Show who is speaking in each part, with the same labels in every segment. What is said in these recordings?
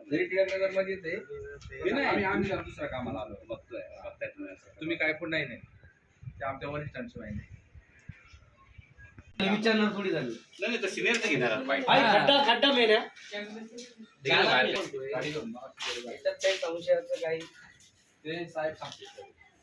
Speaker 1: जरी टिळकनगर मध्ये ते आम्ही दुसऱ्या कामाला आलो बघताय तुम्ही काय पण नाही ते आमच्या वरिष्ठांची माहिती
Speaker 2: विचारणार थोडी झाली
Speaker 1: नाही तर सिनियर तर घेणार
Speaker 2: खड्डा मेन आहे
Speaker 3: काही संशयाचं काही
Speaker 1: ते साहेब सांगते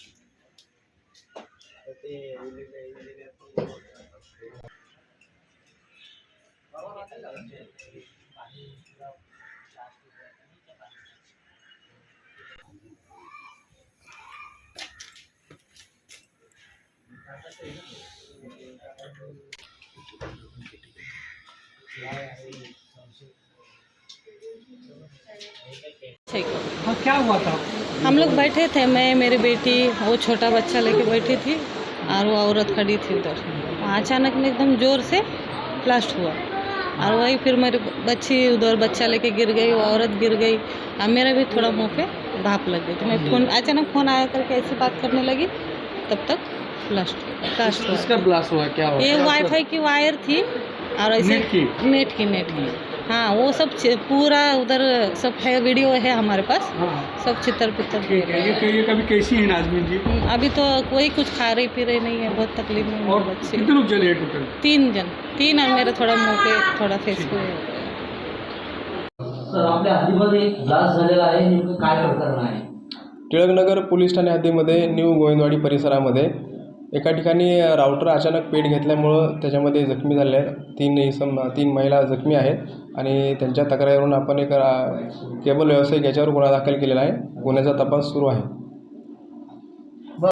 Speaker 4: हाँ, क्या हुआ था?
Speaker 5: हम लोग बैठे थे, मैं मेरी बेटी वो छोटा बच्चा लेके बैठी थी और वो औरत खड़ी थी उधर। अचानक में एकदम ज़ोर से ब्लास्ट हुआ और वही फिर मेरी बच्ची उधर बच्चा लेके गिर गई, वो औरत गिर गई और मेरा भी थोड़ा मुंह पे भाप लग गई। तो मैं अचानक फ़ोन आया करके ऐसी बात करने लगी, तब तक ब्लास्ट हुआ।
Speaker 4: किसका ब्लास्ट हुआ, क्या हुआ?
Speaker 5: ये वाईफाई की वायर थी और ऐसे नेट की हाँ, वो सब पूरा उधर सब है, वीडियो है हमारे पास।
Speaker 4: हाँ।
Speaker 5: सब चित्र पितर।
Speaker 4: ठीक है, ये कभी कैसी है नाजमीन जी?
Speaker 5: अभी तो कोई कुछ खा रही पी रही नहीं है, बहुत तकलीफ में
Speaker 4: और
Speaker 5: बच्चे।
Speaker 4: कितने लोग जले टोटल?
Speaker 5: 3 जन, 3 और मेरा थोड़ा मुंह पे थोड़ा फेस पे।
Speaker 2: सर आपल्या हद्दीमध्ये एक ब्लास्ट झालेला आहे, नेमकं काय प्रकरण आहे?
Speaker 6: टिळकनगर पोलीस ठाणे हद्दीमध्ये न्यू गोविंदवाडी परिसरामध्ये एका ठिकाणी राऊटर अचानक पेट घेतल्यामुळं त्याच्यामध्ये जखमी झाले आहेत। 3 महिला जखमी आहेत आणि त्यांच्या तक्रारीवरून आपण एक केबल व्यावसायिक याच्यावर गुन्हा दाखल केलेला आहे। गुन्ह्याचा तपास सुरू आहे।